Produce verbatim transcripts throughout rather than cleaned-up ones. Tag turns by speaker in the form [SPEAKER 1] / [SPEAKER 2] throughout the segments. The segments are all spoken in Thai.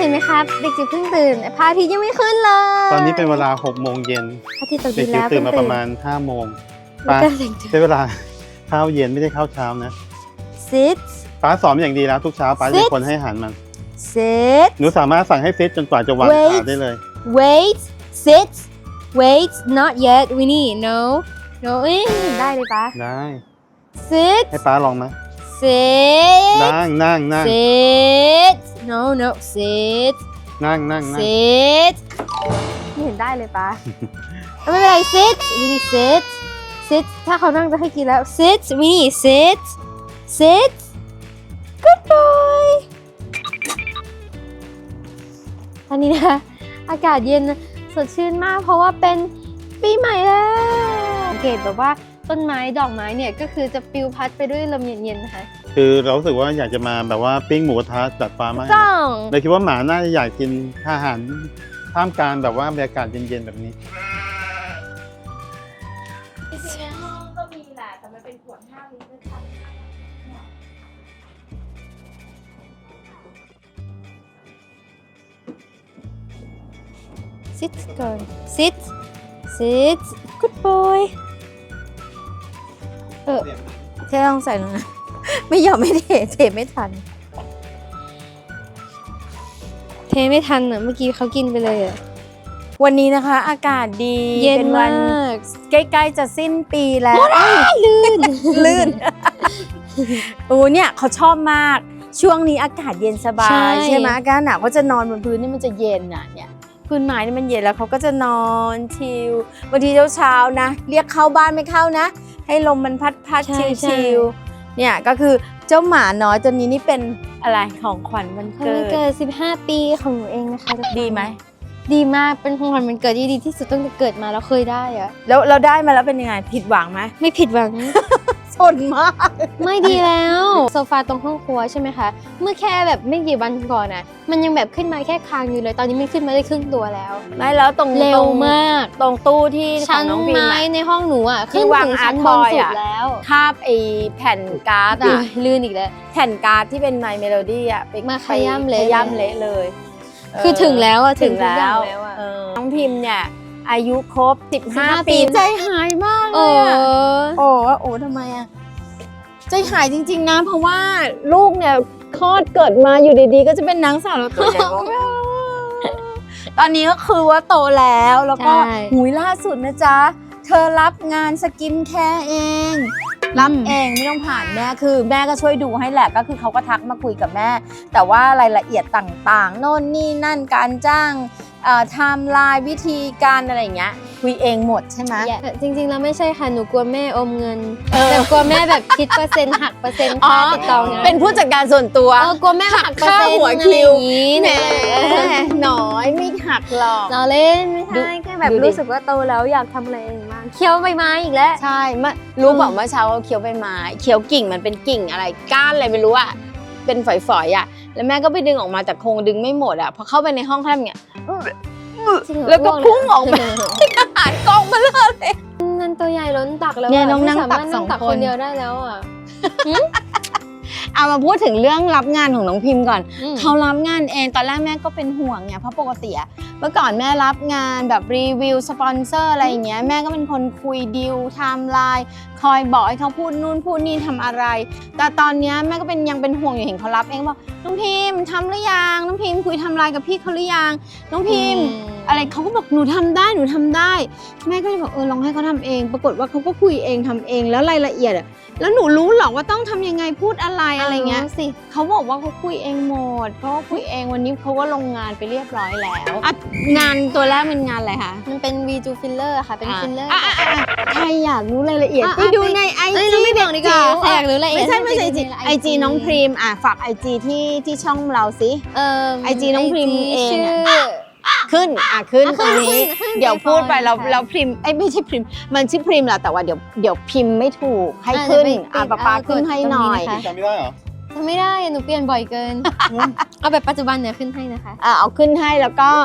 [SPEAKER 1] เห็นไหมครับเด็กจิ๋วเพิ่งตื่นพระอาทิตย์ยังไม่ขึ้นเลย
[SPEAKER 2] ตอนนี้เป็นเวลาหกโมงเย็น
[SPEAKER 1] พระอาทิตย์ตก
[SPEAKER 2] เด็
[SPEAKER 1] ดิ
[SPEAKER 2] ก
[SPEAKER 1] น
[SPEAKER 2] จิ๋
[SPEAKER 1] แล้ว ว
[SPEAKER 2] ตื่นมาประมาณห้าโมงป้าใช้เวลาข้าวเย็นไม่ได้ข้าวเช้านะ
[SPEAKER 1] sit
[SPEAKER 2] ป้าสอนอย่างดีแล้วทุกเช้าป้าเป็นคนให้อาหารมัน
[SPEAKER 1] sit
[SPEAKER 2] หนูสามารถสั่งให้ซิทจนกว่าจะวางขาได้เลย
[SPEAKER 1] wait sit wait not yet Winnie no no เอ้ยได้เลยป้า
[SPEAKER 2] ได้
[SPEAKER 1] sit
[SPEAKER 2] ให้ป้าลองไหม
[SPEAKER 1] sit
[SPEAKER 2] นั่งนั่งนั่ง
[SPEAKER 1] sit no no sit
[SPEAKER 2] นั่งนั่งนั่ง
[SPEAKER 1] sit ไม่เห็นได้เลยป้า ไม่เป็นไร sit Winnie sit sit ถ้าเขานั่งจะให้กินแล้ว sit Winnie sit sit good boy อันนี้นะอากาศเย็นสดชื่นมากเพราะว่าเป็นปีใหม่แล้วสังเกตแบบว่าต้นไม้ดอกไม้เนี่ยก็คือจะปลิวพัดไปด้วยลมเย็นๆนะคะ
[SPEAKER 2] คือเรารู้สึกว่าอยากจะมาแบบว่าปิ้งหมูกระทะจัดฟ้ามาก
[SPEAKER 1] ต้อง
[SPEAKER 2] เลยคิดว่าหมาน่าจะอยากกินอาหารท่ามกลางแบบว่าบรรยากาศเย็นๆแบบนี้
[SPEAKER 3] จริงๆในห้องก็มีแหละแต่มันเป็นขวดห้าลิตรด้วยค่ะ
[SPEAKER 1] sit ก่อน sit sit good boy เออเทลองใส่ลงนะไม่ยอมไม่เทเทไม่ทันเทไม่ทันอ่ะเมื่อกี้เขากินไปเลยอ่ะ
[SPEAKER 4] วันนี้นะคะอากาศดี
[SPEAKER 1] เย็น
[SPEAKER 4] เป็น
[SPEAKER 1] มา
[SPEAKER 4] วัน
[SPEAKER 1] ก
[SPEAKER 4] ใกล้ๆจะสิ้นปีแล้ว
[SPEAKER 1] ลื่น
[SPEAKER 4] ลื่นโอ้เนี่ยเขาชอบมากช่วงนี้อากาศเย็นสบายใช่ไหมอากาศหนาวเขาจะนอนบนพื้นนี่มันจะเย็นอ่ะเนี่ยพื้นไม้นี่มันเย็นแล้วเขาก็จะนอนชิลบางทีเช้าๆนะเรียกเข้าบ้านไม่เข้านะให้ลมมันพัดพัดชิลๆเนี่ยก็คือเจ้าหมาน้อยตัวนี้นี่เป็นอะไรของขวัญวัน
[SPEAKER 1] เขา
[SPEAKER 4] เกิ
[SPEAKER 1] วันเกิ
[SPEAKER 4] ด
[SPEAKER 1] ดสิบห้าปีของหนูเองนะคะทุกคน
[SPEAKER 4] ดีไหม
[SPEAKER 1] ดีมากเป็นของขวัญวันเกิดที่ดีที่สุดตั้งแต่เกิดมาแล้วเคยได้อะ
[SPEAKER 4] แล้วเราได้มาแล้วเป็นยังไงผิดหวังไหม
[SPEAKER 1] ไม่ผิดหวัง
[SPEAKER 4] สนมาก
[SPEAKER 1] ไม่ดีแล้วโซฟาตรงห้องครัวใช่ไหมคะเมื่อแค่แบบไม่กี่วันก่อนน่ะมันยังแบบขึ้นมาแค่คางอยู่เลยตอนนี้มันขึ้นมาได้ครึ่งตัวแล้ว
[SPEAKER 4] ไม่แล้วตรง
[SPEAKER 1] เร็วมาก
[SPEAKER 4] ตรงตู้ที่ขอ
[SPEAKER 1] ชั้
[SPEAKER 4] ง
[SPEAKER 1] น
[SPEAKER 4] น้องพิม
[SPEAKER 1] ไม้
[SPEAKER 4] พ์
[SPEAKER 1] ในห้องหนูอ่ะ
[SPEAKER 4] ที่
[SPEAKER 1] ขึ้น
[SPEAKER 4] วาง
[SPEAKER 1] ถึง
[SPEAKER 4] อาร์
[SPEAKER 1] ชั้น
[SPEAKER 4] ต
[SPEAKER 1] บบ น
[SPEAKER 4] อย
[SPEAKER 1] สุด
[SPEAKER 4] อะ
[SPEAKER 1] แล้ว
[SPEAKER 4] คาบไอ้แผ่นการ์ด
[SPEAKER 1] อุ๊
[SPEAKER 4] อะ
[SPEAKER 1] ยลื่นอีกแล้ว
[SPEAKER 4] แผ่นการ์ดที่เป็นไมเมโลดี้อะไป
[SPEAKER 1] มาขย้ำเละ
[SPEAKER 4] ขย้ำเละเลย
[SPEAKER 1] คือถึงแล้วอะ
[SPEAKER 4] ถึง
[SPEAKER 1] ทุกอ
[SPEAKER 4] แล้
[SPEAKER 1] ย่าง
[SPEAKER 4] ว
[SPEAKER 1] แล้วอะ
[SPEAKER 4] เออน้องพิมพ์เนี่ยอายุครบสิบห้า
[SPEAKER 1] สิบห้าปี
[SPEAKER 4] ปีใจหายมากเล
[SPEAKER 1] โอ้
[SPEAKER 4] ยอะโอ้โอ้ทำไมอะใจหายจริงๆนะเพราะว่าลูกเนี่ยคลอดเกิดมาอยู่ดีๆ ก็จะเป็นนางสาวแล้วตัวใหญ่ ตอนนี้ก็คือว่าโตแล้วแล้วก็
[SPEAKER 1] ใช่
[SPEAKER 4] หุยล่าสุดนะจ๊ะ เธอรับงานสกินแคร์เอง รับเองไม่ต้องผ่านแม่คือแม่ก็ช่วยดูให้แหละก็คือเขาก็ทักมาคุยกับแม่ แต่ว่ารายละเอียดต่างๆโน่นนี่นั่นการจ้างไทม์ไลน์วิธีการอะไรอย่างเงี้ยคุยเองหมดใช่ไหม
[SPEAKER 1] จริงๆแล้วไม่ใช่ค่ะหนูกลัวแม่อมเงิน
[SPEAKER 4] เออ
[SPEAKER 1] แต่กลัวแม่แบบคิดเปอร์เซ็นต์หักเปอร์เซ็นต์ค่าติดต่องาน
[SPEAKER 4] เป็นผู้จัดการส่วนตัว
[SPEAKER 1] เออกลัวแม่หักเปอร์
[SPEAKER 4] ค่า
[SPEAKER 1] เซ็นต์
[SPEAKER 4] หัว
[SPEAKER 1] อะไร
[SPEAKER 4] คิว
[SPEAKER 1] อย่างนี้
[SPEAKER 4] แหม
[SPEAKER 1] เนี่ย
[SPEAKER 4] น้อยไม่หักหรอก
[SPEAKER 1] เราเล่นไม่ใช่แค่แบบ
[SPEAKER 4] ดูดิ
[SPEAKER 1] รู้สึกว่าโตแล้วอยากทำอะไรเองบ้างเคี้ยวใบไม้อีกแล้ว
[SPEAKER 4] ใช่เมื่อรู้บอกเมื่อเช้าว่าเคี้ยวใบไม้เคี้ยวกิ่งมันเป็นกิ่งอะไรก้านอะไรไม่รู้อะเป็นฝอยๆอะแล้วแม่ก็ไปดึงออกมาจากโครงดึงไม่หมดอะพอเข้าไปในห้องเขาทำอย่างเงี้ย
[SPEAKER 1] จริงเหรอ
[SPEAKER 4] แล้วก็
[SPEAKER 1] อ้ว
[SPEAKER 4] พุ่งออกมา อาหารกองมาเลย
[SPEAKER 1] นั่นตัวใหญ่ล้นตักแล้ว
[SPEAKER 4] เนี่ย
[SPEAKER 1] ะ
[SPEAKER 4] น้องนั่ง
[SPEAKER 1] ไม่สามารถ
[SPEAKER 4] ตักสอง
[SPEAKER 1] นั่งตัก
[SPEAKER 4] ค
[SPEAKER 1] คน นเดียวได้แล้วอ่ะ
[SPEAKER 4] เอามาพูดถึงเรื่องรับงานของน้องพิมพ์ก่อน
[SPEAKER 1] อืม
[SPEAKER 4] เขารับงานเองตอนแรกแม่ก็เป็นห่วงไงเพราะปกติอะเมื่อก่อนแม่รับงานแบบรีวิวสปอนเซอร์อะไรอย่างเงี้ยแม่ก็เป็นคนคุยดีลไทม์ไลน์คอยบอกให้เขาพูดนู่นพูดนี่ทำอะไร แต่ตอนเนี้ยแม่ก็เป็นยังเป็นห่วงอยู่เห็นเขารับเองบอกน้องพิมพ์ทำหรือยังน้องพิมพ์คุยไทม์ไลน์กับพี่เขาหรือยังน้องพิมพ์ อะไรเขาก็บอกหนูทำได้หนูทำได้ แม่ก็เลยบอกเออลองให้เขาทำเอง ปรากฏว่าเขาก็คุยเองทำเองแล้วรายละเอียดอะแล้วหนูรู้หรอว่าต้องทำยังไงพูดอะไรอะไรเงี้ย
[SPEAKER 1] าสิ
[SPEAKER 4] เขาบอกว่าเขาคุยเองหมดเพราะว่าคุยเองวันนี้เขาก็ลงงานไปเรียบร้อยแล้วอ่ะงานตัวแรกเป็นงานอะไรคะ
[SPEAKER 1] มันเป็นวีจูฟิลเลอร์ค่ะเป็นฟิลเลอร์
[SPEAKER 4] อ่ะอ่ะอ่ะใครอยากรู้รายละเอียด
[SPEAKER 1] อ่ะ
[SPEAKER 4] ไปดูในไอ
[SPEAKER 1] เอ้ย
[SPEAKER 4] จี
[SPEAKER 1] เราไม่บอกดีกว่า
[SPEAKER 4] จิ๋ว
[SPEAKER 1] ใครอยากรู้รายละเอียด
[SPEAKER 4] ไม่ใช่ไม่ใช่
[SPEAKER 1] ให้
[SPEAKER 4] จี
[SPEAKER 1] ไปดูใน
[SPEAKER 4] ไอจีน้องพรีมอ่ะฝากไอจีที่ที่ช่องเราสิ
[SPEAKER 1] เอ่อ
[SPEAKER 4] ไอจีน้องพรีมเอง
[SPEAKER 1] ชื่อ
[SPEAKER 4] ขึ้นอ่ะขึ้น
[SPEAKER 1] อ่ะ
[SPEAKER 4] ตรงนี้
[SPEAKER 1] ขึ้นขึ้น
[SPEAKER 4] เดี๋ยวพูดไปเรา
[SPEAKER 1] ค่ะ
[SPEAKER 4] เราพิมพ์ไอ้ยไม่ใช่พิมพ์มันชื่อพิมพ์แหละแต่ว่าเดี๋ยวเดี๋ยวพิมพ์ไม่ถูกให้
[SPEAKER 1] อ่ะ
[SPEAKER 4] ขึ้น
[SPEAKER 1] เดี๋ยวไป
[SPEAKER 4] อ่ะ
[SPEAKER 1] ติด
[SPEAKER 4] ป๊าป๊า
[SPEAKER 1] อ่ะ
[SPEAKER 4] ขึ้นให้
[SPEAKER 1] กดตรงนี้
[SPEAKER 4] หน่อย
[SPEAKER 1] นะคะ
[SPEAKER 2] จำไม่ได้เหรอ
[SPEAKER 1] ทำไม่ได้อะหนูเปลี่ยนบ่อยเกิน เอาแบบปัจจุบันเนี่ยขึ้นให้นะคะ
[SPEAKER 4] อ่ะเอาขึ้นให้แล้วก็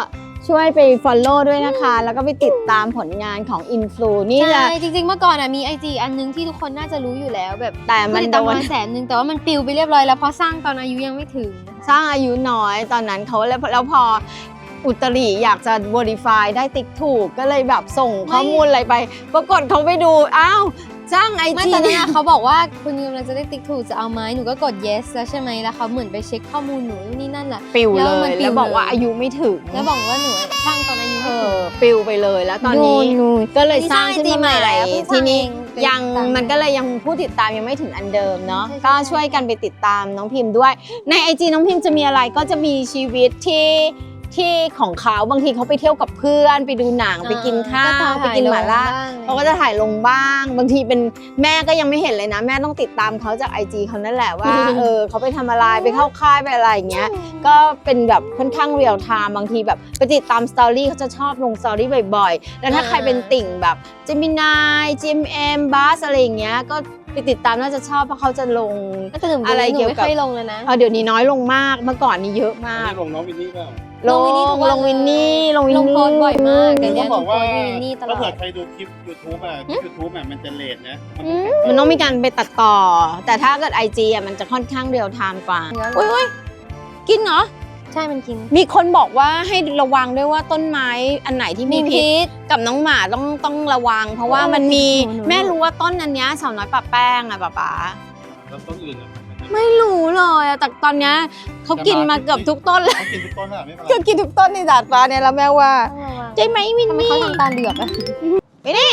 [SPEAKER 4] ช่วยไป follow ด้วยนะคะ แล้วก็ไปติดตามผลงานของอินฟลูนี่จะ
[SPEAKER 1] ใช่จริงๆเมื่อก่อนอะมีไอจีอันนึงที่ทุกคนน่าจะรู้อยู่แล้วแบบ
[SPEAKER 4] แต่มัน
[SPEAKER 1] ติด
[SPEAKER 4] โด
[SPEAKER 1] ตาม
[SPEAKER 4] น
[SPEAKER 1] มาแสนนึงแต่ว่ามันปลิวไปเรียบร้อยแล้วเพราะสร้างตอนอายุยังไม่ถึง
[SPEAKER 4] สร้างอายุน้อยตอนนั้นเขาแล้วแล้วพออุตริอยากจะ verify ได้ติ๊กถูกก็เลยแบบส่งข้อมูลอะไรไป ปรากฏเขาไปดูอ้าวสร้างไอ
[SPEAKER 1] ไม่
[SPEAKER 4] จี
[SPEAKER 1] ตอนนั้นอะเขาบอกว่าคุณกำลังจะได้ติ๊กถูกจะเอาไหมหนูก็กด yes แล้วใช่ไหมแล้วเขาเหมือนไปเช็คข้อมูลหนูนี่นั่นแหละ
[SPEAKER 4] ปิว
[SPEAKER 1] แล้
[SPEAKER 4] เล
[SPEAKER 1] วมัน
[SPEAKER 4] ย
[SPEAKER 1] ปิว
[SPEAKER 4] แล้วบอกว่า
[SPEAKER 1] เลย
[SPEAKER 4] อายุไม่ถึง
[SPEAKER 1] แล้วบอกว่าหนูสร้างตอนอายุ
[SPEAKER 4] เอ
[SPEAKER 1] ไม่ถึ
[SPEAKER 4] อง ปิวไปเลยแล้วตอนนี้
[SPEAKER 1] นู่น
[SPEAKER 4] ก็เลยสร้างขึ้นมาใหม่
[SPEAKER 1] นี่สร้าง I G ใหม่แล้วเพิ่งสร้าง
[SPEAKER 4] ทีนี้
[SPEAKER 1] เองเป็น
[SPEAKER 4] ยัง
[SPEAKER 1] ตาม
[SPEAKER 4] มันก็เลยยังผู้ติดตามยังไม่ถึงอันเดิมเนาะ
[SPEAKER 1] ใช่ใช่
[SPEAKER 4] ก็ช่วยกันไปติดตามน้องพิมพ์ด้วย ในไอจีน้องพิมพ์จะมีอะไรก็จะมีชีวิตที่ที่ของเขาบางทีเขาไปเที่ยวกับเพื่อนไปดูหนังไปกินข้าวไปกินหม่าล่าเขาก็จะถ่ายลงบ้าง บางทีเป็นแม่ก็ยังไม่เห็นเลยนะ แม่ต้องติดตามเขาจากไอจีเขานั่นแหละว่า เออเขาไปทำอะไรไปเข้าค่ายไปอะไรอย่างเงี้ย ก็เป็นแบบค่อนข้างเรียลไทม์บางทีแบบไปติดตามสตอรี่เขาจะชอบลงสตอรี่บ่อยๆ แล้วถ้าใครเป็นติ่งแบบเจมินาย จี เอ็ม เอ็ม บัสอะไรอย่างเงี้ยก็ไปติดตามน่าจะชอบเพราะเขาจะลง
[SPEAKER 1] แต่หนู
[SPEAKER 4] อะไรเกี่ยวกับ
[SPEAKER 1] หนูไม่ค่อยลงเลยนะ
[SPEAKER 4] เออเดี๋ยวนี้น้อยลงมากเมื่อก่อนนี้เยอะมาก
[SPEAKER 2] นี่ลงน้องวินนี่เปล่า
[SPEAKER 4] ล
[SPEAKER 1] ล
[SPEAKER 4] ง
[SPEAKER 1] งวินนี่ทุกวัน
[SPEAKER 4] ลงวินนี่ลงวิน
[SPEAKER 1] ลง
[SPEAKER 4] นี่
[SPEAKER 1] โพสต์บ่อยมากเดี๋ยว
[SPEAKER 2] ต้
[SPEAKER 1] นี้
[SPEAKER 2] องบอกว่า
[SPEAKER 1] หนูโพสต์วินนี่ตลอด
[SPEAKER 2] ถ้าเกิดใครดูคลิป YouTube อ่ะคลิป YouTube อ่ะมันจะเลทนะมัน
[SPEAKER 4] มันต้องมีการไปตัดต่อ แต่ถ้าเกิด ไอ จี อ่ะมันจะค่อนข้างเรียลไทม์กว่า
[SPEAKER 1] เนื้อ
[SPEAKER 4] อุ้ยอุ้ยกินเหรอ
[SPEAKER 1] ใช่มันกิน
[SPEAKER 4] มีคนบอกว่าให้ระวังด้วยว่าต้นไม้อันไหนที่มี
[SPEAKER 1] มี
[SPEAKER 4] พิษ
[SPEAKER 1] พิษ
[SPEAKER 4] กับน้องหมาต้องต้องระวัง เพราะว่า
[SPEAKER 1] โอ้
[SPEAKER 4] มันมี
[SPEAKER 1] หนูหนู
[SPEAKER 4] แม่รู้ว่าต้นอันเนี้ยสาวน้อยปะแป้งอ่ะป๊าป๊า
[SPEAKER 2] แล้วต้นอื่นอ่ะ
[SPEAKER 4] ไม่รู้เลยอะแต่ตอนเนี้ยเขากินมาเกือบทุกต้นแล้ว
[SPEAKER 2] เขากินทุกต้นอ่ะไม่เป็นไร
[SPEAKER 4] เขากินทุกต้นในดาดฟ้าเนี่ยแล้วแม่ว่า
[SPEAKER 1] ต้องระวัง
[SPEAKER 4] ใช่ไหมวิน
[SPEAKER 1] ทำไม
[SPEAKER 4] นี่
[SPEAKER 1] เขาทำตาเหลือกอะ
[SPEAKER 4] วินนี่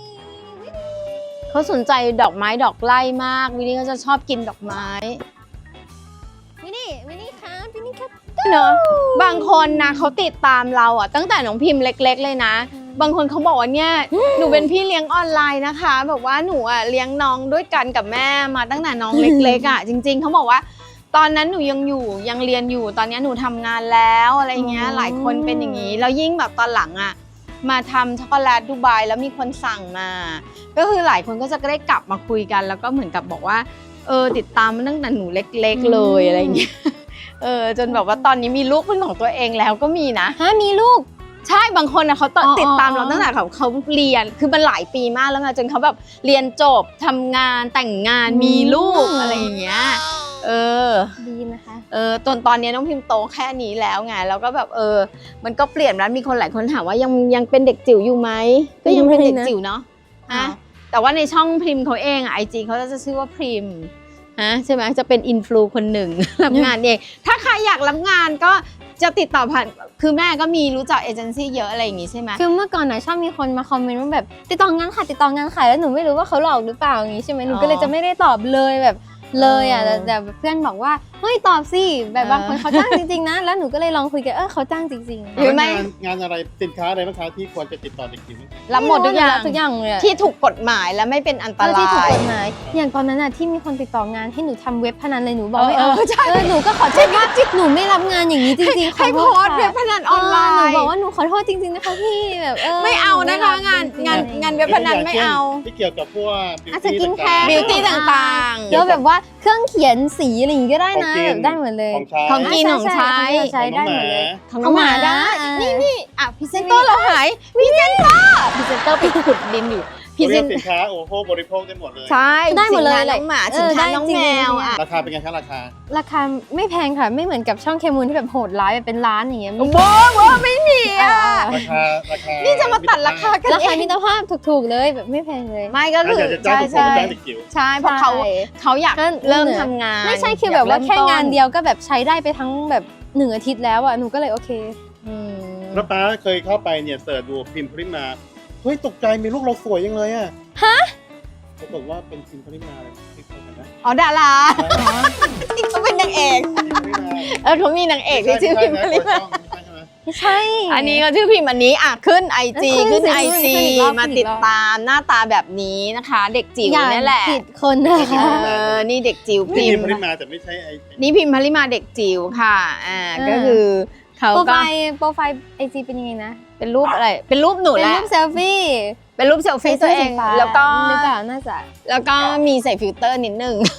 [SPEAKER 4] เขาสนใจดอกไม้ดอกไร่มากวินนี่เขาจะชอบกินดอกไม้
[SPEAKER 1] วินนี่วินนี่ครับวินนี่ครับ
[SPEAKER 4] เนอะบางคนนะเขาติดตามเราอ่ะตั้งแต่น้องพิมพ์เล็ก ๆ เลยนะ บางคนเขาบอกว่าเนี่ยหนูเป็นพี่เลี้ยงออนไลน์นะคะแบบว่าหนูอ่ะเลี้ยงน้องด้วยกันกับแม่มาตั้งแต่น้องเล็กๆอ่ะจริง ๆเขาบอกว่าตอนนั้นหนูยังอยู่ยังเรียนอยู่ตอนนี้หนูทำงานแล้วอะไรเงี้ยหลายคนเป็นอย่างนี้แล้วยิ่งแบบตอนหลังอ่ะมาทำช็อกโกแลตดูไบแล้วมีคนสั่งมา ก็คือหลายคนก็จะได้กลับมาคุยกัน แล้วก็เหมือนกับบอกว่าเออติดตามมาตั้งแต่หนูเล็กๆเลยอะไรเงี้ยเออจนแบบว่าตอนนี้มีลูกเป็นของตัวเองแล้วก็มีนะ
[SPEAKER 1] ฮะมีลูก
[SPEAKER 4] ใช่บางคนนะเขาต
[SPEAKER 1] อ๋อ
[SPEAKER 4] ติดตามเรา
[SPEAKER 1] อ๋อ
[SPEAKER 4] ตั้งแต่เขาเขาเรียนคือมันหลายปีมากแล้วไงจนเขาแบบเรียนจบทำงานแต่งงานมีลูกอะไรอย่างเงี้ยเออ
[SPEAKER 1] ดีนะคะ
[SPEAKER 4] เออตอนตอนนี้น้องพิมพ์โตแค่นี้แล้วไงแล้วก็แบบเออ มันก็เปลี่ยนแล้วมีคนหลายคนถามว่ายังยังเป็นเด็กจิ๋วอยู่ไหมก็ยังเป็นเด็กจิ๋วเนาะ
[SPEAKER 1] อ๋อ
[SPEAKER 4] ฮะแต่ว่าในช่องพิมพ์เขาเองอ่ะไอจีเขาจะชื่อว่าพิมพ์ฮะใช่ไหมจะเป็นอินฟลูคนหนึ่ง รับงานเองถ้าใครอยากรับงานก็จะติดต่อผ่านคือแม่ก็มีรู้จักเอเจนซี่เยอะอะไรอย่างงี้ใช่ไหม
[SPEAKER 1] คือเมื่อก่อนนะชอบมีคนมาคอมเมนต์ว่าแบบติดต่องานค่ะติดต่องานค่ะแล้วหนูไม่รู้ว่าเขาหลอกหรือเปล่าอย่างงี้ใช่ไหมหนูก็เลยจะไม่ได้ตอบเลยแบบเลยอ่ะแต่แต่เพื่อนบอกว่าเฮ้ยตอบสิแบบบางคนเขาจ้างจริงๆนะแล้วหนูก็เลยลองคุยกันเออเขาจ้างจริงๆ
[SPEAKER 4] หรือไม่
[SPEAKER 2] งานงานอะไรสินค้าอะไรบ้างคะที่ควรจะติดต่อเด็กจิ๋วบ้างคะ
[SPEAKER 4] รับหมดทุกอย่าง
[SPEAKER 1] ทุกอย่างเลยอะ
[SPEAKER 4] ที่ถูกกฎหมายและไม่เป็นอันต
[SPEAKER 1] เออ
[SPEAKER 4] รา
[SPEAKER 1] ที่ถูก
[SPEAKER 4] ย
[SPEAKER 1] กฎหมายอย่างตอนนั้นอ่ะที่มีคนติดต่องานให้หนูทำเว็บพนันเลยหนูบอกไม่
[SPEAKER 4] เอ
[SPEAKER 1] เอา
[SPEAKER 4] อเออใช่
[SPEAKER 1] เออหนูก็ขอโทษว่าหนูไม่รับงานอย่างนี้จริงๆขอ
[SPEAKER 4] ให้
[SPEAKER 1] โท
[SPEAKER 4] โพ
[SPEAKER 1] ษ
[SPEAKER 4] สต์เว็บ
[SPEAKER 1] ค่ะ
[SPEAKER 4] พนันออนไล
[SPEAKER 1] หนู
[SPEAKER 4] น์
[SPEAKER 1] บอกว่าหนูขอโทษจริงๆนะคะพี่แบบเออ
[SPEAKER 4] ไม่เอานะคะ
[SPEAKER 1] ห
[SPEAKER 4] งาน
[SPEAKER 1] ไม่
[SPEAKER 4] งาน
[SPEAKER 1] รับจริๆ
[SPEAKER 4] งานเว็บพนันไม่เอา
[SPEAKER 2] ที่เกี่ยวกับพวก
[SPEAKER 1] อ่ะสกินแคร์
[SPEAKER 4] บิวตี้ต่างๆ
[SPEAKER 1] แล้วแบบว่าเครื่องเขียนสีอะไรอย่างงี้ก็ได้นะแบบได้หมดเลย
[SPEAKER 2] ของใช้
[SPEAKER 4] ของกิน
[SPEAKER 1] ใช่
[SPEAKER 4] ของใช้
[SPEAKER 1] ใช่ของใช้ได้หมดเลย
[SPEAKER 4] ของน้องหมาได้
[SPEAKER 1] อ่า
[SPEAKER 4] นี่นี่อ่ะพรีเซนเตอร์เราหายพรีเซนเตอร์พรีเซนเตอร์ไปขุดดินอยู่พรี
[SPEAKER 2] เขา
[SPEAKER 4] เซ
[SPEAKER 2] เรีย
[SPEAKER 4] น
[SPEAKER 2] กสินค้าโอ้โหบริโภคได้หมดเลย
[SPEAKER 4] ใช่
[SPEAKER 1] ได้หมดเลย
[SPEAKER 4] สินค้าน้องหมา
[SPEAKER 1] เอ
[SPEAKER 4] สิน
[SPEAKER 1] อ
[SPEAKER 4] ค้า
[SPEAKER 1] ได้
[SPEAKER 4] น้อง
[SPEAKER 1] จริง
[SPEAKER 4] แม
[SPEAKER 1] ๆ
[SPEAKER 4] ว
[SPEAKER 1] เนี่ย
[SPEAKER 4] อ่ะ
[SPEAKER 2] ราคาเป็นไงคะราคา
[SPEAKER 1] ราคาไม่แพงค่ะไม่เหมือนกับช่องเคมูลที่แบบโหดร้ายแบบเป็นล้านอย่างเงี้ย
[SPEAKER 4] โว้โว้ไม่มีอ่ะ
[SPEAKER 2] ราคาราคา
[SPEAKER 4] นี่จะมาตัดราคากัน
[SPEAKER 1] รา
[SPEAKER 4] เอ
[SPEAKER 1] คาง มิตรภาพถูกๆเลยแบบไม่แพงเลย
[SPEAKER 4] ไม่ก็
[SPEAKER 2] ถ้า
[SPEAKER 4] คือ
[SPEAKER 2] อยากจะจ้าง
[SPEAKER 4] ใช่
[SPEAKER 2] ทุกคน
[SPEAKER 4] ใช่
[SPEAKER 2] ก็จ้างเด็กจิ๋ว
[SPEAKER 4] ใช่เพราะเขา
[SPEAKER 1] ใช่
[SPEAKER 4] เขาอยาก
[SPEAKER 1] ก็
[SPEAKER 4] เริ่มทำงาน
[SPEAKER 1] ไม่ใช่คือแบบว่า
[SPEAKER 4] อยก
[SPEAKER 1] แค่
[SPEAKER 4] ริ่มต้
[SPEAKER 1] งานเดียวก็แบบใช้ได้ไปทั้งแบบหนึ่งอาทิตย์แล้วอ่ะหนูก็เลยโอเค
[SPEAKER 4] อืม
[SPEAKER 2] แล้วป้าเคยเข้าไปเนี่ยเสิร์ชดูพิมพ์พริมาเฮ้ยตกใจมีลูกเราสวยยังเลยอ่ะฮะปรากฏว่าเป็นพิมพ์พริมาเลยที่เขากันนะ
[SPEAKER 4] อ๋อดาราที่เขาเป็นนางเอก
[SPEAKER 2] พิมพ์พริมา
[SPEAKER 4] เออเขามีนางเอกที่ชื่อพิมพ์พลิมา
[SPEAKER 1] ไม่ใช่
[SPEAKER 4] อันนี้ก็ชื่อพิมพ์อันนี้อ่ะขึ้นไอจี
[SPEAKER 1] ขึ้
[SPEAKER 4] ขึ้
[SPEAKER 1] น
[SPEAKER 4] น
[SPEAKER 1] สิ
[SPEAKER 4] ไอ
[SPEAKER 1] ขึ้น
[SPEAKER 4] จี
[SPEAKER 1] ขึ้นอีกรอบ
[SPEAKER 4] มา
[SPEAKER 1] ขึ้นอี
[SPEAKER 4] ติ
[SPEAKER 1] ก
[SPEAKER 4] ด
[SPEAKER 1] รอบ
[SPEAKER 4] ตามหน้าตาแบบนี้นะคะ เด็กจิ๋ว
[SPEAKER 1] อย่า
[SPEAKER 4] นี่แหละ
[SPEAKER 1] ผิดคนนะคะ
[SPEAKER 4] เออนี่เด็กจิ๋ว
[SPEAKER 2] นี่
[SPEAKER 4] พิ
[SPEAKER 2] พิ
[SPEAKER 4] ม
[SPEAKER 2] ม
[SPEAKER 4] พ์
[SPEAKER 2] พ์พริมาแต่ไม่ใช่ไอ้
[SPEAKER 4] นี่พิมพ์พลิมาเด็กจิ๋วค่ะอ่า
[SPEAKER 1] อ่า
[SPEAKER 4] ก็คือเขา
[SPEAKER 1] โปรไฟ
[SPEAKER 4] ก็
[SPEAKER 1] ล์โปรไฟล์ไอจีเป็นยังไงนะ
[SPEAKER 4] เป็นรูปอะไร เป็นรูปหนู
[SPEAKER 1] เป็น
[SPEAKER 4] แหละ
[SPEAKER 1] รูปเซลฟี่
[SPEAKER 4] เป็นรูปเซลฟี่ตัวเอง
[SPEAKER 1] ใส่สื้สีฟ้า
[SPEAKER 4] แล้วก็
[SPEAKER 1] หรือเปล่าน่าจะ
[SPEAKER 4] แล้วก็มีใส่ฟิลเตอร์นิดนึง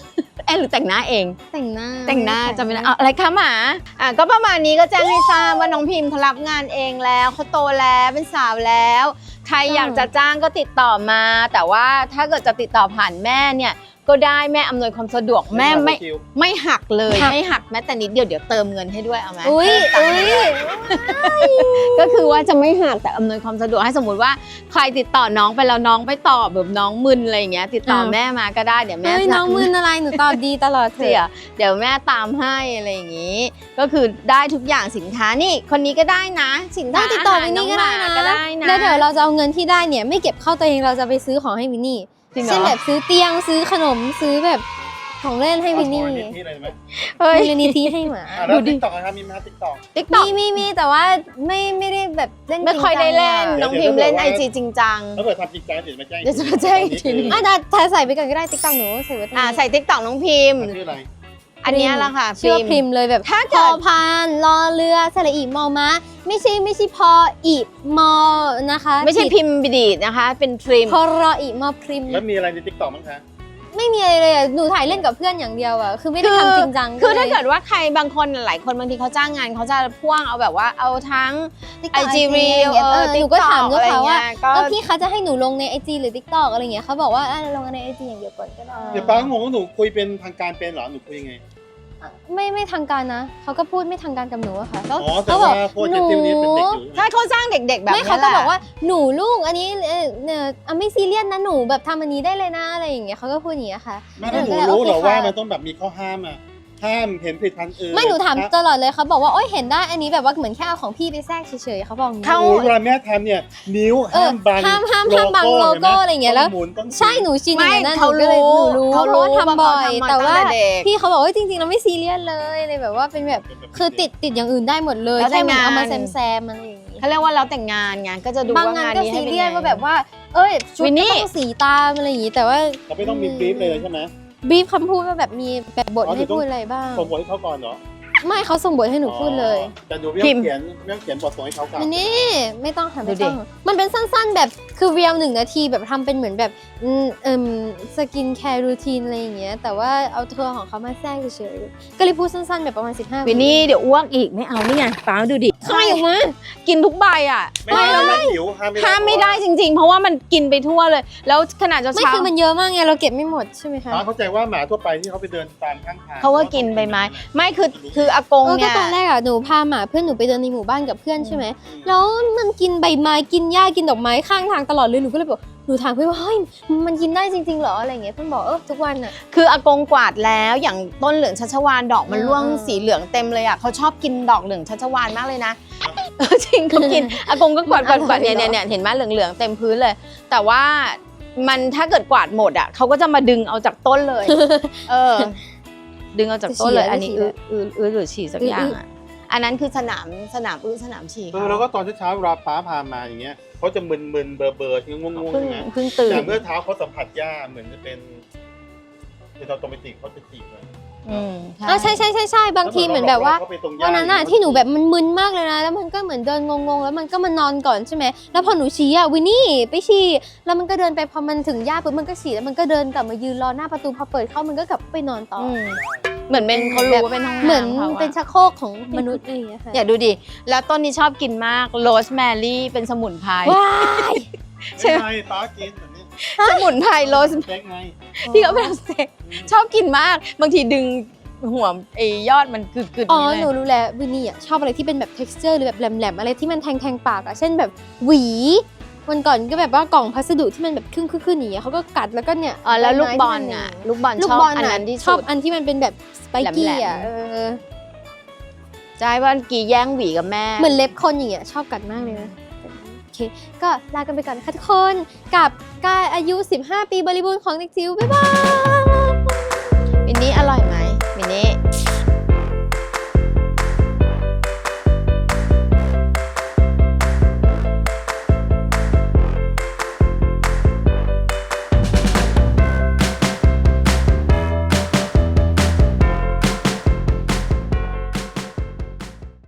[SPEAKER 4] อ๊ะหรือแต่งหน้าเอง
[SPEAKER 1] แต่งหน้า
[SPEAKER 4] แต่งหน้าจะไม่ได้เอาอะไรคะหมาอ่ะก็ประมาณนี้ก็แจ้งให้ทราบว่าน้องพิมพ์เขารับงานเองแล้วเขาโตแล้วเป็นสาวแล้ว ใครอยากจะจ้างก็ติดต่อมา แต่ว่าถ้าเกิดจะติดต่อผ่านแม่เนี่ยก็ได้แม่อำนวยความสะดวกแม่ไม่ไม่หักเลยไม่หักแม้แต่นิดเดียวเดี๋ยวเติมเงินให้ด้วยเอาไหม
[SPEAKER 1] อุ้ยอุ้ย
[SPEAKER 4] ก็คือว่าจะไม่หักแต่อำนวยความสะดวกให้สมมุติว่าใครติดต่อน้องไปแล้วน้องไปตอบแบบน้องมึนอะไรอย่างเงี้ยติดต่อแม่มาก็ได้เดี๋ยวแม่
[SPEAKER 1] เฮ้ยน้องมืนอะไรหนูตอบดีตลอดเสี
[SPEAKER 4] เสี
[SPEAKER 1] ย
[SPEAKER 4] ยเดี๋ยวแม่ตามให้อะไรอย่างงี้ ก็คือได้ทุกอย่างสินค้านี่คนนี้ก็ได้นะสิน
[SPEAKER 1] ได้
[SPEAKER 4] ค้า
[SPEAKER 1] ติดต่อ
[SPEAKER 4] อาหาร
[SPEAKER 1] วินนี่ก็
[SPEAKER 4] องห
[SPEAKER 1] ได้
[SPEAKER 4] มา
[SPEAKER 1] นะ
[SPEAKER 4] ก็ได้นะ
[SPEAKER 1] แล้วเดี๋ยวเราจะเอาเงินที่ได้เนี่ยไม่เก็บเข้าตัวเองเราจะไปซื้อของให้วินนี่
[SPEAKER 4] จริงเหร
[SPEAKER 1] เช่น
[SPEAKER 4] อ
[SPEAKER 1] แบบซื้อเตียงซื้อขนมซื้อแบบของเล่นให้วินนี่
[SPEAKER 2] เอาโชว์นี่เลยไหม
[SPEAKER 4] เฮ้ย
[SPEAKER 1] มูลนิธิให้หมา
[SPEAKER 2] อ่ะแล้วติ๊กต็อกนะครับมีไหมติ๊กต็อก
[SPEAKER 4] ติ๊กต็อ
[SPEAKER 1] มี
[SPEAKER 4] ก
[SPEAKER 1] มีมีแต่ว่าไม่ไม่ได้แบบเล่น
[SPEAKER 4] ไม่ค่อยได้เล่น
[SPEAKER 1] จริงจังอะ
[SPEAKER 4] น้องพิมพ์เล่นไอจีจริงจัง
[SPEAKER 2] ถ้าเกิดทำจริงจังเดี๋ยวจะมาแจ้ง
[SPEAKER 4] เดี๋ยวจะมาแจ้งอีกทีนึง
[SPEAKER 1] อ่ะแต่ถ้าใส่ไปก่อนก็ได้ติ๊กต็อกหนูใส่ไว้ตรง
[SPEAKER 4] อ่า
[SPEAKER 1] นี้
[SPEAKER 4] ใส่ติ๊กต็อกน้องพิมพ์
[SPEAKER 2] ชื่ออะไร
[SPEAKER 4] อันเนี้ยแหละค่ะ
[SPEAKER 1] ชื่อว่าพริมเลยแบบ
[SPEAKER 4] ถ้า
[SPEAKER 1] พ
[SPEAKER 4] เกิ
[SPEAKER 1] อ
[SPEAKER 4] ด
[SPEAKER 1] พานรอเรือสระอีมอม้าไม่ใช่ไม่ใช่พออีมอนะคะ
[SPEAKER 4] ไม่ใช่พิมพ์บิดีดนะคะ เป็นพริม
[SPEAKER 1] พอรออีมอพริม
[SPEAKER 2] แล้วมีอะไรในติ๊กต็อกบ้างคะ
[SPEAKER 1] ไม่มีอะไรเลยอ่ะหนูถ่ายเล่นกับเพื่อนอย่างเดียวอ่ะคือไม่ได้ทำจริงจัง
[SPEAKER 4] คือถ้า
[SPEAKER 1] ลย
[SPEAKER 4] เกิดว่าใครบางคนหลายคนบางทีเขาจ้างงานเขาจะพ่วงเอาแบบว่าเอาทั้ง
[SPEAKER 1] TikTok
[SPEAKER 4] ไอจี
[SPEAKER 1] ไอจี
[SPEAKER 4] รี
[SPEAKER 1] อะไรอย่างเงี้ย
[SPEAKER 4] เอ
[SPEAKER 1] เอ
[SPEAKER 4] อ
[SPEAKER 1] อห
[SPEAKER 4] ติ๊
[SPEAKER 1] นู
[SPEAKER 4] ก
[SPEAKER 1] ก็
[SPEAKER 4] ต็
[SPEAKER 1] ถาม
[SPEAKER 4] อก
[SPEAKER 1] ลู
[SPEAKER 4] อะ
[SPEAKER 1] ก
[SPEAKER 4] ไร
[SPEAKER 1] ค้าว่า
[SPEAKER 4] เงี้ยก็
[SPEAKER 1] เออพี่คะจะให้หนูลงในไอจีหรือทิกตอกอะไรอย่างเงี้ยเขาบอกว่าอ่ะลงในไอจีอย่างเดียวก่อนก็ได้
[SPEAKER 2] เดี๋ยวป้างงว่าหนูคุยเป็นทางการเป็นเหรอหนูคุยยังไง
[SPEAKER 1] ไม่ไม่ทางการนะเขาก็พูดไม่ทางการกับหนูอะค่ะแล้ว
[SPEAKER 2] อ๋อแต่
[SPEAKER 1] เขาบ
[SPEAKER 2] ว่า
[SPEAKER 1] อก
[SPEAKER 2] พวกเจนติวนี้เป็นเด็กอยู่
[SPEAKER 4] ถ้าเขาสร้างเด็กๆแบบ
[SPEAKER 1] ไม่
[SPEAKER 4] นี้
[SPEAKER 1] เขาก็
[SPEAKER 4] แหละ
[SPEAKER 1] บอกว่าหนูลูกอันนี้เออเนี่ยอ่ะไม่ซีเรียสนะหนูแบบทำอันนี้ได้เลยนะอะไรอย่างเงี้ยเขาก็พูดอย่างเงี้ยค่ะ
[SPEAKER 2] แม่ถ้าหนูรู้เหรอว่ามันต้องแบบมีข้อห้ามอ่ะห้ามเห็นผลิตภัณฑ์อื่น
[SPEAKER 1] ไม่หนูถามตลอดเลยเขาบอกว่าโอ๊ยเห็นได้อันนี้แบบว่าเหมือนแค่เอาของพี่ไปแทรกเฉยๆเขาบอกอย่างงี้
[SPEAKER 4] เขา
[SPEAKER 2] โอ้ยเวลาแม่ทำเนี่ยนิ้ว
[SPEAKER 1] เออ
[SPEAKER 2] ห้ามบัง
[SPEAKER 1] ห้ามห้ามห้ามบังโลโก้อะไรอย่างเงี้ยแล้ว
[SPEAKER 2] ต้หมุนต้อง
[SPEAKER 1] ใช่หนูชินอ
[SPEAKER 4] ไม่
[SPEAKER 1] ย่างนั้นนะห
[SPEAKER 4] เขา
[SPEAKER 1] นูก็เลย
[SPEAKER 4] รู้
[SPEAKER 1] หนูรู้
[SPEAKER 4] เขา
[SPEAKER 1] เพราะว่าทำบ่อย
[SPEAKER 4] ว่า
[SPEAKER 1] แต่
[SPEAKER 4] เขา
[SPEAKER 1] ว่า
[SPEAKER 4] ทำมาตั้งแต่เด็ก
[SPEAKER 1] พี่เขาบอกว่าจริงๆเราไม่ซีเรียสเลยเลยแบบว่าเป็นแบบคือติดติดอย่างอื่นได้หมดเลย
[SPEAKER 4] แล้วแต่
[SPEAKER 1] แค่เหมือนเอามา
[SPEAKER 4] งาน
[SPEAKER 1] แซมแซมๆอะไรอย่างงี้
[SPEAKER 4] เขาเรียกว่าเราแต่งงานไงก็จะดู
[SPEAKER 1] บางาน
[SPEAKER 4] ว่างาน
[SPEAKER 1] ก็
[SPEAKER 4] นี้
[SPEAKER 1] ซี
[SPEAKER 4] ให้เป็น
[SPEAKER 1] เรียส
[SPEAKER 4] ไง
[SPEAKER 1] ว่าแบบว่า เอ้ยชุด
[SPEAKER 4] วิน
[SPEAKER 1] ก็
[SPEAKER 4] นี่
[SPEAKER 1] ต้องสีตามอะไรอย่างงี้แต่ว่า
[SPEAKER 2] เราไม่ต้องมีบรีฟเลยใช่ไหม
[SPEAKER 1] บรีฟคำพูดว่าแบบมีแบบบท
[SPEAKER 2] อ๋อ
[SPEAKER 1] ให้พูดอะไรบ้าง
[SPEAKER 2] ส่งบทให้เขาก่อนเหรอ
[SPEAKER 1] ไม่เขาส่งบทให้หนูพูดเลย
[SPEAKER 2] อ๋อแต่หนูไม่ต้องเขียนไม่ต้องเขียนบทส่งให้เขาก่อน
[SPEAKER 1] มันนี่ไม่ต้องค่ะ
[SPEAKER 4] ดู
[SPEAKER 1] ไม่
[SPEAKER 4] ดิ
[SPEAKER 1] ต้องมันเป็นสั้นๆแบบคือเรียวหนึ่งนาทีแบบทำเป็นเหมือนแบบอืมเอิ่มสกินแคร์รูทีนอะไรอย่างเงี้ยแต่ว่าเอาทัวร์ของเขามาแทรกเฉยๆก็เลยพูดสั้นๆแบบประมาณสิบห้า
[SPEAKER 4] วินนี่เดี๋ยวอ้วกอีกไม่เอานี่ไงป้าดูดิ
[SPEAKER 1] ใช่ออกมา
[SPEAKER 4] กินทุกใบอ่ะ
[SPEAKER 2] ไม่ได้แล้วมันหิวห้ามไม่ได้
[SPEAKER 4] ห้ามไม่ได้จริง ๆ เพราะว่ามันกินไปทั่วเลย แล้วขนาดเช้า
[SPEAKER 1] ไม่คือมันเยอะมากไงเราเก็บไม่หมดใช่ไหมคะ
[SPEAKER 2] ป้าเข้าใจว่าหมาทั่วไปที่เขาไปเดินตามข้างทาง
[SPEAKER 4] เขาก็กินใบไม้ไม่คือคืออากง
[SPEAKER 1] เออก็
[SPEAKER 4] เนี่ย
[SPEAKER 1] ตอนแรกอ่ะหนูพาหมาเพื่อนหนูไปเดินในหมู่บ้านกับเพื่อนใช่ไหมแล้วมันกินใบไม้กินหญ้ากินดอกไม้ข้างทางตลอดเลยหนูก็เลยบอกหนูถามเพื่อนว่าเฮ้ยมันกินได้จริงๆเหรออะไรอย่างเงี้ยเพื่อนบอกเออทุกวันอ่ะ
[SPEAKER 4] คืออากงกวาดแล้วอย่างต้นเหลืองชัชวาลดอกมัน
[SPEAKER 1] อืม
[SPEAKER 4] ร่วง
[SPEAKER 1] อืม
[SPEAKER 4] สีเหลืองเต็มเลยอ่ะเขาชอบกินดอกเหลืองชัชวาลมากเลยนะเออจริงเขากินอากงก็กวาดกวาดกวาดเนี่ยเนี่ยเนี่ยเห็นไหมเหลืองๆเต็มพื้นเลย แต่ว่ามันถ้าเกิดกวาดหมดอ่ะเขาก็จะมาดึงเอาจากต้นเลย เออ ดึงเอาจากต้นเลย อันนี้อื้ออื้ออื้อหรือฉี่สักอย่างอ่ะอันนั้นคือสนามสนามอื้อสนามฉี่
[SPEAKER 2] เออแล้วก็ตอนเช้าๆเวลาป้าพามาอย่างเงี้ยเขาจะมึนๆเบอร์ๆที่ง่วงๆ
[SPEAKER 4] เพิ่ง
[SPEAKER 2] ใช่ไหม
[SPEAKER 4] เพิ่งตื่น
[SPEAKER 2] แต่เมื่อเท้าเขาสัมผัสหญ้าเหมือนจะเป็นเป็นออโตเมติกเขาจะจีบเลย
[SPEAKER 4] อืม
[SPEAKER 1] อ่ะใช่ใช่ใช่ใช่บางทีเหมือนแบบว่า
[SPEAKER 2] เขไปตรงหญ้า
[SPEAKER 1] วันนั้นอะที่หนูแบบมันมึนมากเลยนะ แล้วมันก็เหมือนเดินงงๆ แล้วมันก็มานอนก่อนใช่ไหมแล้วพอหนูชี้อะวินนี่ไปฉี่แล้วมันก็เดินไปพอมันถึงหญ้าปุ๊บมันก็ฉี่แล้วมันก็เดินกลับมายืนรอหน้าประตูพอเปิดเข้ามันก็กลับไปนอนต่อ
[SPEAKER 4] อื
[SPEAKER 1] อ
[SPEAKER 4] มเหมือนเป็นเขารู้ว่าเป็นห้องน้ำ
[SPEAKER 1] เหมือน
[SPEAKER 4] ขาะ
[SPEAKER 1] เป็นชักโครกของมนุษย์อะไรอย่างเงี้ยค่ะ
[SPEAKER 4] อย่าดูดิ แล้วต้นนี้ชอบกินมากโรสแมรี่เป็นสมุนไพร
[SPEAKER 1] ว้าย
[SPEAKER 2] ใช่ไหมป้ากินแบบนี้
[SPEAKER 4] สมุนไพรโรส
[SPEAKER 2] เล็กไง
[SPEAKER 4] ที่เขาเป็นสเต็กชอบกินมาก บางทีดึงหัวไอ้ยอดมันกึดๆ
[SPEAKER 1] อ๋อ
[SPEAKER 4] นี้
[SPEAKER 1] หนู
[SPEAKER 4] เลย
[SPEAKER 1] รู้แล้ววินนี่อะชอบอะไรที่เป็นแบบ texture หรือแบบแหลมๆอะไรที่มันแทงๆปากอะเช่นแบบหวีวันก่อนก็แบบว่ากล่องพัสดุที่มันแบบครึ่งๆๆอย่างเงี้ยเขาก็กัดแล้วก็เนี่ย
[SPEAKER 4] อ๋อแล้วลูกบอล
[SPEAKER 1] ใไม้ที่มัน
[SPEAKER 4] อ่ะ ลูกบอล
[SPEAKER 1] ลู
[SPEAKER 4] ช
[SPEAKER 1] ก
[SPEAKER 4] อบบ
[SPEAKER 1] อล
[SPEAKER 4] อัน
[SPEAKER 1] อะ
[SPEAKER 4] นั้นที่
[SPEAKER 1] ชอบ
[SPEAKER 4] สุด
[SPEAKER 1] อันที่มันเป็นแบบสไปกี้
[SPEAKER 4] แหล
[SPEAKER 1] อะ
[SPEAKER 4] มๆ
[SPEAKER 1] เออ
[SPEAKER 4] ใช่ว่ากี่แย่งหวีกับแม่
[SPEAKER 1] เหมือนเล็บคนอย่างเงี้ยชอบกัดมากเลยนะโอเคก็ลากันไปก่อนค่ะทุกคนกับกายอายุสิบห้าปีบริบูรณ์ของเด็กจิ๋วบ๊ายบาย
[SPEAKER 4] อันนี้อร่อยไหม